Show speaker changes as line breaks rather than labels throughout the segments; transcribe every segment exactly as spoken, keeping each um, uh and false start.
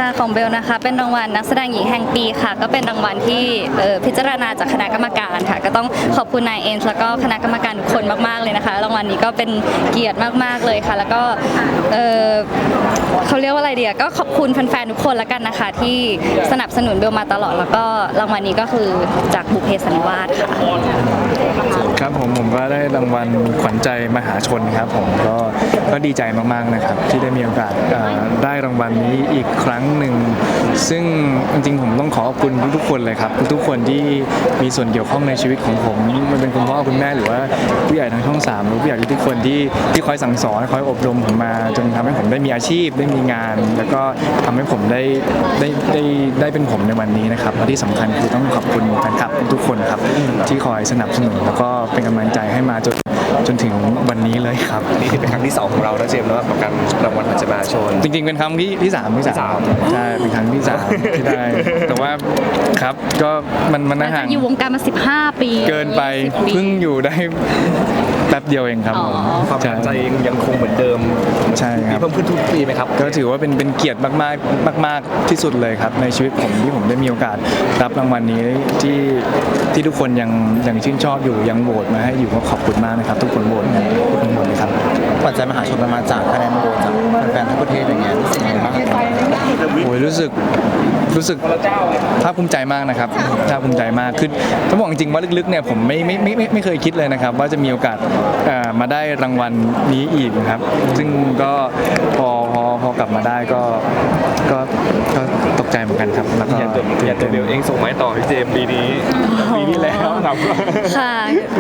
ค่ะของเบลนะคะเป็นรางวัลนักแสดงหญิงแห่งปีค่ะก็เป็นรางวัลที่พิจารณาจากคณะกรรมการค่ะก็ต้องขอบคุณนายเอ็นแล้วก็คณะกรรมการทุกคนมากๆเลยนะคะรางวัลนี้ก็เป็นเกียรติมากๆเลยค่ะแล้วก็เขาเรียกว่าอะไรเดียก็ขอบคุณแฟนๆทุกคนแล้วกันนะคะที่สนับสนุนเบลมาตลอดแล้วก็รางวัลนี้ก็คือจากบุพเพสันนิวาสค่ะ
ครับผมผมก็ได้รางวัลขวัญใจมหาชนครับผมก็ก็ดีใจมากๆนะครับที่ได้มีโอกาสได้รางวัลนี้อีกครั้งหนึ่งซึ่งจริงๆผมต้องขอขอบคุณทุกๆคนเลยครับทุกๆคนที่มีส่วนเกี่ยวข้องในชีวิตของผมมันเป็นคุณพ่อคุณแม่หรือว่าผู้ใหญ่ทางช่องสามหรือผู้ใหญ่ทุกคนที่ที่คอยสั่งสอนคอยอบรมผมมาจนทำให้ผมได้มีอาชีพได้มีงาน แล้วก็ทำให้ผมได้ได้ได้ได้เป็นผมในวันนี้นะครับและที่สำคัญคือต้องขอบคุณแฟนคลับทุกคนครับที่คอยสนับสนุนแล้วก็เป็นกำลังใจให้มาจนจนถึงวันนี้เลยครับ
นี่เป็นครั้งที่สองของเราแล้วเจมส์แล้วกับการรางวัลขวัญใจมหาชน
จริงๆเป็นครั้งที่ที่สามที่สามใช่เป็นครั้งที่สามที่ได้แต่ว่าครับก็มันมันห่าง
อยู่วงการมาสิบห้าปี
เกินไปเพิ่งอยู่ได้แป๊บเดียวเองครับ
ความตั้งใจยังคงเหมือนเดิม
ใช่ครับ
เพิ่มขึ้นทุกปีไหมครับ
ก็ถือว่าเป็นเป็นเกียรติมากๆมากๆที่สุดเลยครับในชีวิตผมที่ผมได้มีโอกาสรับรางวัลนี้ที่ที่ทุกคนยังยังชื่นชอบอยู่ยังโหวตมาให้อยู่ก็ขอบคุณมากนะครับทุกคนโหวตทุกคนโหวตเลยครับ
ขวัญใจมหาชนมันมาจากคะแนนโหวตจากแฟนๆทั้งประเทศอย่างเงี้ยรู้สึกยังไงบ้าง
โอ้ยรู้สึกรู้สึกภาคภูมิใจมากนะครับภาคภูมิใจมากคือต้องบอกจริงๆว่าลึกๆเนี่ยผมไม่ไม่ไม่ไม่ไม่เคยคิดเลยนะครับว่าจะมีโอกาสมาได้รางวัลนี้อีกนะครับซึ่งก็พอพอพอกลับมาได้ก็ก็ก็ตกใจเหมือนกันครับแล้วก็
อย่างตัวเบลเองส่งไม้ต่อพี่เจมส์ปีนี้ปีนี้แล้วครับ
ค่ะ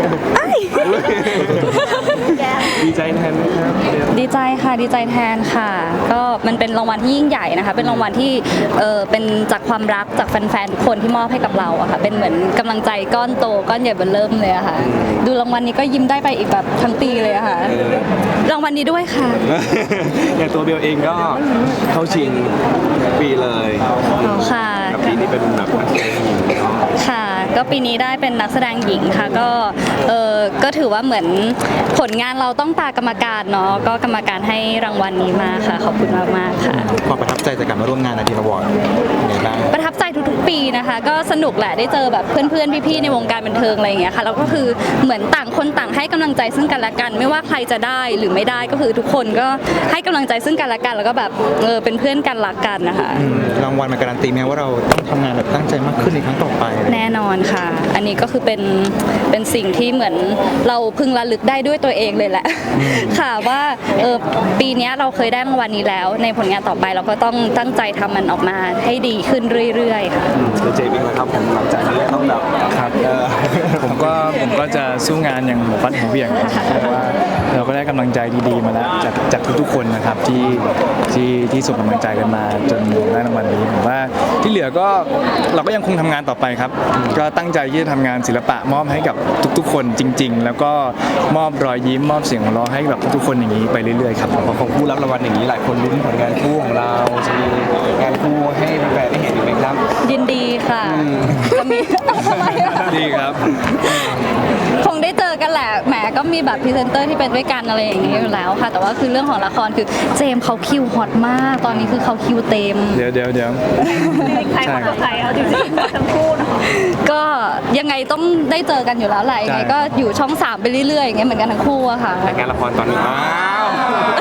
ดีใจแทนนะครับ
ดีใจค่ะดีใจแทนค่ะก็มันเป็นรางวัลที่ยิ่งใหญ่นะคะเป็นรางวัลที่เออเป็นจากความรักจากแฟนๆทุกคนที่มอบให้กับเราอะค่ะเป็นเหมือนกำลังใจก้อนโตก้อนใหญ่เบ้อเริ่มเลยอะค่ะดูรางวัลนี้ก็ยิ้มได้ไปอีกแบบทั้งปีเลยอะค่ะรางวัลนี้ด้วยค่ะ
อย่างตัวเบลเองก็เข้าชิงปีเลย
ค่ะ
ปีนี้เป็นแบบนักแสดงหญิง
ค่ะก็ปีนี้ได้เป็นนักแสดงหญิงค่ะก็เออก็ถือว่าเหมือนผลงานเราต้องตากรรมการเนาะก็กรรมการให้รางวัลนี้มาค่ะขอบคุณมากมากค่ะ
ความประทับใจจากการมาร่วมงานอาทิตย์อวอร์ดยังไงบ้าง
ประทับใจทุกๆปีนะคะก็สนุกแหละได้เจอแบบเพื่อนๆพี่ๆในวงการบันเทิงอะไรอย่างเงี้ยค่ะแล้วก็คือเหมือนต่างคนต่างให้กำลังใจซึ่งกันและกันไม่ว่าใครจะได้หรือไม่ได้ก็คือทุกคนก็ให้กำลังใจซึ่งกันและกันแล้วก็แบบเออเป็นเพื่อนกันรักกันนะคะ
รางวัลมันการันตีไหมว่าเราต้องทำงานแบบตั้งใจมากขึ้นในครั้งต่อไป
แน่นอนค่ะอันนี้ก็คือเป็นเป็นสิ่งที่เหมือนเราพึงระลึกได้ด้วยตัวเองเลยแหละค่ะว่าเออปีนี้เราเคยได้รางวัลนี้แล้วในผลงานต่อไปเราก็ต้องตั้งใจทำมันออกมาให้ดีขึ้นเรื่อยๆค่ะ
เจมี่นะครับผมหลังจากนี้ต้องแบบ
ครับผมก็ผมก็จะสู้งานอย่างหัวฟัดหัวเบี่ยงเพราะว่าเราก็ได้กำลังใจดีๆมาแล้วจากจากทุกๆคนนะครับที่ที่ที่ส่งกำลังใจกันมาจนได้รางวัลนี้ผมว่าที่เหลือก็เราก็ยังคงทำงานต่อไปครับก็ตั้งใจที่จะทำงานศิลปะมอบให้กับทุกๆคนจริงๆแล้วก็มอบรอยยิ้มมอบเสียงหัวเราะให้กับทุกๆคนอย่างนี้ไปเรื่อยๆครับ
พอเขาผู้รับรางวัลอย่างนี้หลายคนลุ้นผลงานคู่ของเราจะมีงานคู่ให้แฟนๆได้เห็นอีกไหมครับ
ยินดีค่ะจะมี
ดีครับ
คงได้เจอกันแหละแหมก็มีแบบพรีเซนเตอร์ที่เป็นด้วยกันอะไรอย่างนี้อยู่แล้วค่ะแต่ว่าคือเรื่องของละครคือเจมเขาคิวฮอตมากตอนนี้คือเขาคิวเต็ม
เดี๋ยวเดี๋ยวเดี๋ยว
ใครมากับใครเอาจริงๆทั้งคู่เนาะก็ยังไงต้องได้เจอกันอยู่แล้วแหละยังไงก็อยู่ช่องสามไปเรื่อยๆอย่างเงี้ยเหมือนกันทั้งคู่อะค่ะ
งานละครตอนนี้